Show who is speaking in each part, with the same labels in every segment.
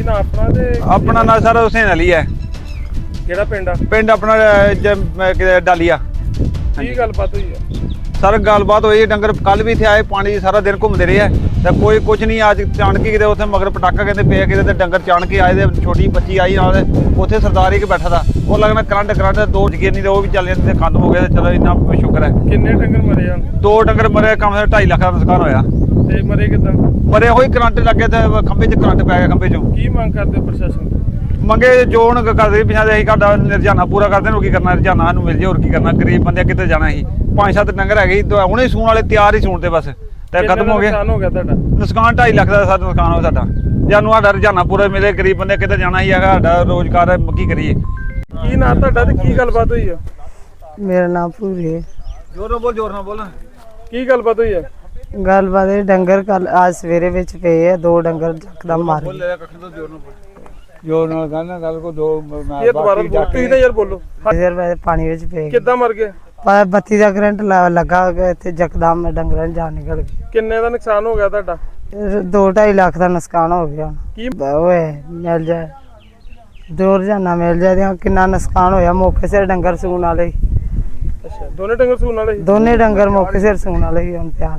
Speaker 1: ਕੀ ਨਾ ਆਪਣਾ ਤੇ
Speaker 2: अपना ना सर हुसैन अली है।
Speaker 1: ਕਿਹੜਾ ਪਿੰਡ ਆ?
Speaker 2: पिंड अपना डालिया।
Speaker 1: ਕੀ ਗੱਲਬਾਤ ਹੋਈ ਆ?
Speaker 2: सर गलबात हुई डंगर कल भी इतने आए पानी सारा दिन घूमते रहे है तो कोई कुछ नहीं अज चाण के किते उत्थे मगर पटाखा कहते पे किते डंगर चाण के आए थे छोटी बच्ची आई नाल उत्थे सरदार एक बैठा था वो लगना करंट दो जगे नहीं तो वो भी चल जाते खत्म हो गए चलो इन्ना शुक्र है।
Speaker 1: ਕਿੰਨੇ ਡੰਗਰ ਮਰੇ ਆ?
Speaker 2: दो डंगर मरे कम से 2.5 लाख का नुकसान होया।
Speaker 1: ਤੇ ਮਰੇ ਕਿਦਾਂ?
Speaker 2: मरे होई करंट लगे तो खंबे च करंट पै गया खंबे चों।
Speaker 1: ਕੀ ਮੰਗ ਕਰਦੇ ਪ੍ਰਸ਼ਾਸਨ ਤੋਂ?
Speaker 2: मंगे जो हूँ करते पिछा अं साडा रजाना पूरा करते हैं की करना रजाना सानू मिल जाए और की करना गरीब बंदे कितने जाना ही 5-7 डंगर है हुणे सूण वाले तैयार ही सूण ते बस ते खत्म हो गया।
Speaker 1: ਨੁਕਸਾਨ ਹੋ ਗਿਆ ਤੁਹਾਡਾ?
Speaker 2: नुकसान 2.5 लाख का सारा नुकसान हो साडा जानू साडा रजाना पूरा मिले गरीब बंदे कितने जाना ही है साडा रोजगार है की करिए।
Speaker 1: ਕੀ ਨਾਂ ਤੁਹਾਡਾ ਤੇ ਕੀ ਗੱਲਬਾਤ ਹੋਈ ਆ?
Speaker 3: मेरा नाम पूरी है।
Speaker 2: जोर ना बोल
Speaker 1: ਕੀ ਗੱਲਬਾਤ ਹੋਈ ਆ?
Speaker 3: गलबात है डंगर कल आज सवेरे विच पे है दो डंगर यकदम मार गए।
Speaker 2: जोर ना कहना गल को दो
Speaker 1: ਇਹ ਦੁਬਾਰਾ ਬੋਲ ਤੁਸੀਂ ਤਾਂ ਯਾਰ ਬੋਲੋ।
Speaker 3: फिर मैं पानी विच पे
Speaker 1: ਕਿੱਦਾਂ ਮਰ ਗਏ?
Speaker 3: पर बत्ती का करंट लगा इतने यकदम डंगर जान निकल गई।
Speaker 1: ਕਿੰਨੇ ਦਾ ਨੁਕਸਾਨ ਹੋ ਗਿਆ ਤੁਹਾਡਾ?
Speaker 3: 2-2.5 लाख का नुकसान हो गया।
Speaker 1: ਕੀ
Speaker 3: ओए मिल जाए दो रोजाना मिल जाए कितना नुकसान होया मौके सिर डंगर सून वाले
Speaker 1: ਅੱਛਾ ਦੋਨੇ ਡੰਗਰ ਸੂਣ ਵਾਲੇ ਸੀ?
Speaker 3: दोने डंगर मौके सिर सून वाले ही हम तैयार।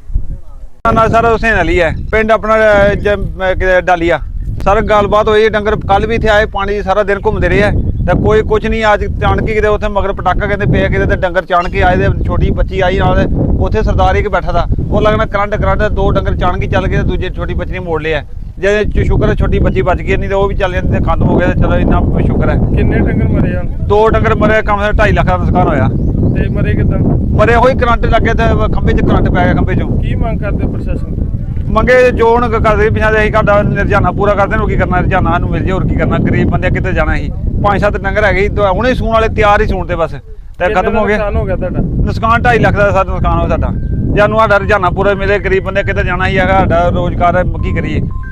Speaker 2: ना सर हुसैन अली है पिंड अपना डालिया। सर गलबात हुई डंगर कल भी इतने आए पानी सारा दिन घूमते रहे है तो कोई कुछ नहीं अज चाण के किते उत्थे मगर पटाखा कहते पे किते डंगर चाण के आए थे छोटी बच्ची आई नाल उत्थे सरदार एक बैठा था वो लगना करंट दो डंगर चाण के चल गए दूजे छोटी बच्ची ने मोड़ लिया जे शुक्र है छोटी बच्ची बच गई नहीं तो वो भी चल जाते खत्म हो गए चलो इन्ना शुक्र है।
Speaker 1: ਕਿੰਨੇ ਡੰਗਰ ਮਰੇ ਆ?
Speaker 2: दो डंगर मरे कम से 2.5 लाख का नुकसान होया।
Speaker 1: ਤੇ ਮਰੇ ਕਿਦਾਂ?
Speaker 2: मरे होई करंट लगे तो खंबे च करंट पै गया खंबे चों।
Speaker 1: ਕੀ ਮੰਗ ਕਰਦੇ ਪ੍ਰਸ਼ਾਸਨ ਤੋਂ?
Speaker 2: मंगे जो हूँ करते पिछा अं साडा रजाना पूरा करते हैं की करना रजाना सानू मिल जाए और की करना गरीब बंदे कितने जाना ही 5-7 डंगर है हुणे सूण वाले तैयार ही सूण ते बस ते खत्म हो गया।
Speaker 1: ਨੁਕਸਾਨ ਹੋ ਗਿਆ ਤੁਹਾਡਾ?
Speaker 2: नुकसान 2.5 लाख का सारा नुकसान हो साडा जानू साडा रजाना पूरा मिले गरीब बंदे कितने जाना ही है साडा रोजगार है की करिए।